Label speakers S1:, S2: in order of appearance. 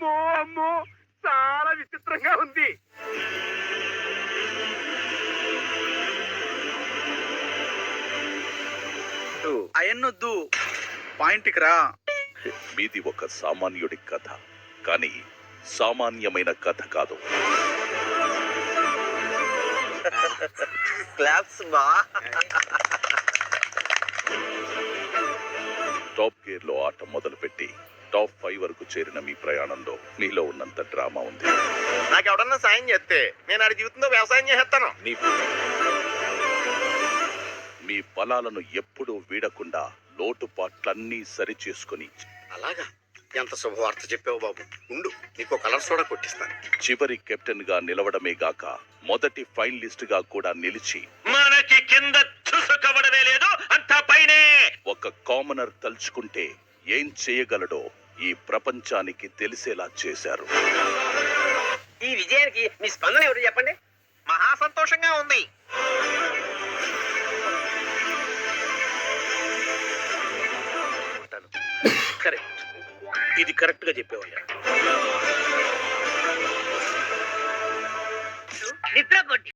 S1: అమ్మో అమ్మో చాలా విచిత్రంగా ఉంది.
S2: అయన్నొద్దు, పాయింట్కి రా.
S3: మీది ఒక సామాన్యుడి కథ, కానీ సామాన్యమైన కథ కాదు.
S4: క్లాప్స్ బా.
S3: టాప్ గేర్ లో ఆట మొదలుపెట్టి టాప్ 5 వరకు చేరిన మీ ప్రయాణంలో మీలో ఉన్నంత డ్రామా ఉంది.
S4: నాకు ఎవడన్నా సాయం చేస్తే నేను ఆడి జీవితంలో వ్యవసాయం చేస్తాను.
S3: మీ బలాలను ఎప్పుడూ వీడకుండా లోటుపాట్లన్నీ సరి చేసుకుని
S4: అలాగా, ఎంత శుభవార్త చెప్పావు బాబు. ఉండు, నీకు కలర్ సోడా కొట్టిస్తాను.
S3: చివరి కెప్టెన్ గా నిలవడమే గాక మొదటి ఫైనలిస్ట్ గా కూడా నిలిచి
S4: మనకి కింద చూసుకోవడమే లేదు, అంతా పైనే.
S3: ఒక కామనర్ తలుచుకుంటే ఏం చేయగలడో ఈ ప్రపంచానికి తెలిసేలా చేశారు.
S1: ఈ విజయానికి మీ స్పందన ఎవరు చెప్పండి?
S4: మహా సంతోషంగా ఉంది.
S1: కరెక్ట్, ఇది కరెక్ట్ గా చెప్పేవయ్యా. నిద్ర